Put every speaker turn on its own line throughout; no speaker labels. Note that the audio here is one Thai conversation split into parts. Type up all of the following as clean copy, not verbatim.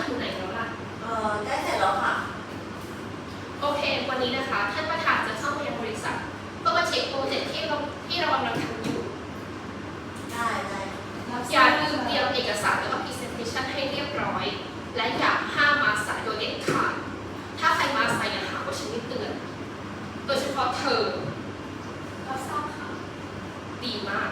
ถึงไหนแล้วล่ะ
ใกล้เสร็จแล้วค่ะ
โอเควันนี้นะคะท่านประธานจะเข้ามายังบริษัทเพื่อมาเช็คโปรเจกต์ที่เรากำลังทำอยู่
ได้
อย่าลืมเตรียมเอกสารแล้วก็ presentation ให้เรียบร้อยและอย่าห้ามมาสายโดยเด็ดขาดถ้าใครมาสายอย่าหาว่าฉันไม่เตือนโดยเฉพาะเธอรับทราบค่ะดีมาก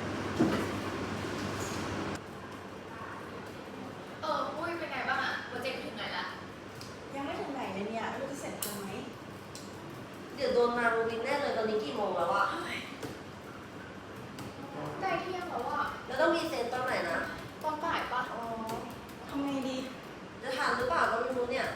ปุ้ยเป็นไงบ้างอะโปรเจกต์ถึงไหนละ
ยังไม่ถึงไหนเลยเนี่ยไม่รู้จะเสร็จทันไหม
เดี๋ยวโดนมารูบินแน่เลยตอนนี้กี่โมงแล้วอะ
ใกล้เที่ยงแล้วอะ
แล้วต้องมีเซ็นตอนไหนนะ
ตอนบ่ายปะ
ทำไงดี
จะทันหรือเปล่าก็ไม่รู้เนี่ย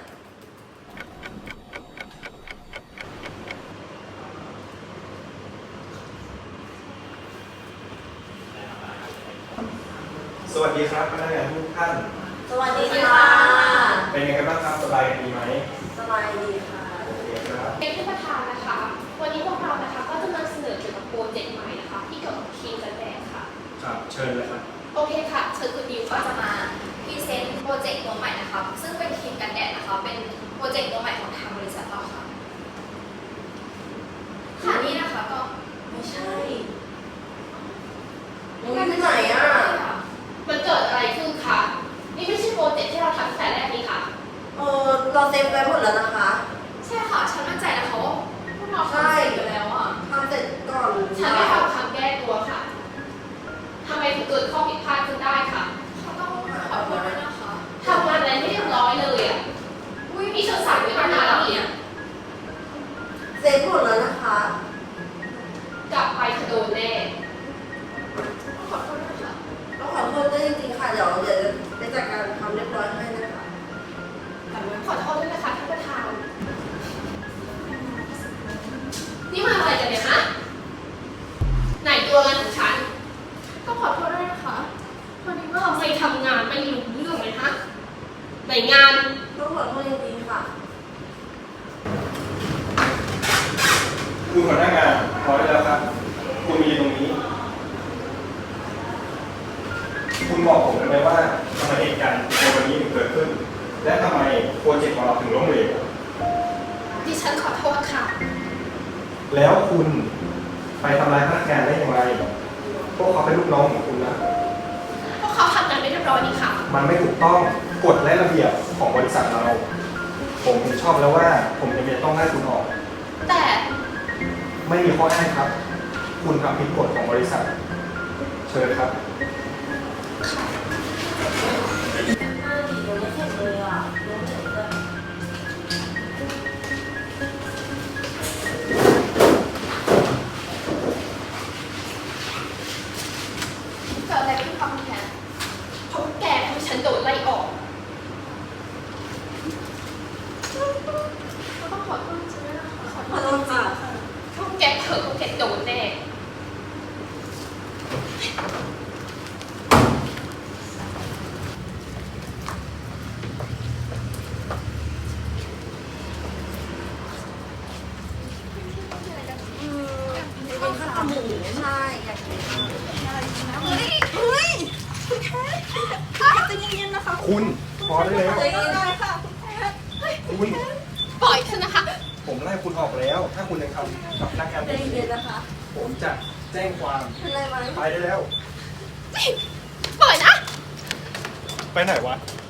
สวัสดีครับพนักงานทุกท่าน
สวัสดีค่ะ
เป็นยังไงบ้างครับสบายดีไหม
สบายดีค่ะ
โอเคครับ
เป็นท่านประธานนะคะวันนี้พวกเรานะคะก็จะมาเสนอเกี่ยวกับโปรเจกต์ใหม่นะคะที่เกี่ยวกับทีมกันแดดค่ะ
ครับเชิญเลยครับ
โอเคค่ะเชิญคุณดิว
ก็
ค่ะ
จะมาพรีเซนต์โปรเจกต์ตัวใหม่นะคะซึ่งเป็นครีมกันแดดนะคะเป็นโปรเจกต์ตัวใหม่ของทางบริษัทเราค่ะค่ะนี่นะคะก็
ไม่ใช่ยังอยู่ที่ไหนอะ
มันเกิดอะไรขึ้นคะนี่ไม่ใช่โปรเจกต์ที่เราทำตั้งแต่แรกนี่ค่ะ
เราเซฟไว้หมดแล้วนะคะ
ใช่ค่ะฉันมั่นใจนะคะว่าพวกเราทำเสร็จอยู่แล้วอะ
ทำเสร็จก่อน
ฉันไม่ทำคำแก้ตัวค่ะทำไมถึงเกิดข้อผิดพลาดขึ้นได้ค่ะ
เขาต้องขอโทษด้วยนะคะ
ทำงานอะไรไม่เรียบร้อยเลยอ่ะมีฉันสั่งไว้ตั้งนานแล้วเนี่ย
เซฟหมดแล้วนะคะ
กลับไปเธอโดนแน่
ขอโทษด้วยค่ะ
ต้องขอโทษด้วยจริงๆค่ะเดี๋ยวไปจัดการทำเรียบร้อยให้นะคะ
ขอโทษด้วยนะคะท่านประธานนี่มาอะไรกันเนี่ยฮะไหนตัวงานของฉัน
ต้องขอโทษด้วยนะคะพอดีว่า
ทำไมทำงานไม่รู้เรื่องเลยฮะไหนงาน
ต้องขอโทษจริงๆค่ะ
คุณหัวหน้างานพร้อมแล้วครับคุณมีตรงนี้คุณบอกผมได้ไหมว่าทำไมเหตุการณ์ในวันนี้ถึงเกิดขึ้นและทำไมโปรเจกต์ของเราถึงล้มเหลว
ดิฉันขอโทษค่ะ
แล้วคุณไปทำร้ายพนักงานได้อย่างไรพวกเขาเป็นลูกน้องของคุณนะ
พวกเขาทำงานไม่เรียบร้อยนี่ค่ะ
มันไม่ถูกต้องกฎและระเบียบของบริษัทเราผมชอบแล้วว่าผมจะต้องให้คุณออก
แต่
ไม่มีข้ออ้างครับคุณทำผิดกฎของบริษัทเชิญครับ
เกิดอะไรขึ้นคะคุณแทน
เพราะแกทำให้ฉันโดนไล่ออก
ก็ต้องขอโทษจริงๆนะคะขอโท
ขอ
ษ
โทษค่ะ
พวกแกเถอะพวกแกโดนแน่
เป็นข้าวหมูใช่อยากกิน
เฮ้ยคุณแพทย์จะเย็นๆนะคะ
คุณพอได้แล้ว
ใจเย็นๆค่ะคุณแพทย์
คุณ
ปล่อยฉันนะคะ
ผมไล่คุณออกแล้ว ถ้าคุณยังทำกับพนักงาน
ใจเย็นๆนะคะ
ผมจะแจ้งความ
เป็นไรไหม
ไปได้แล้ว
ปล่อยนะ
ไปไหนวะ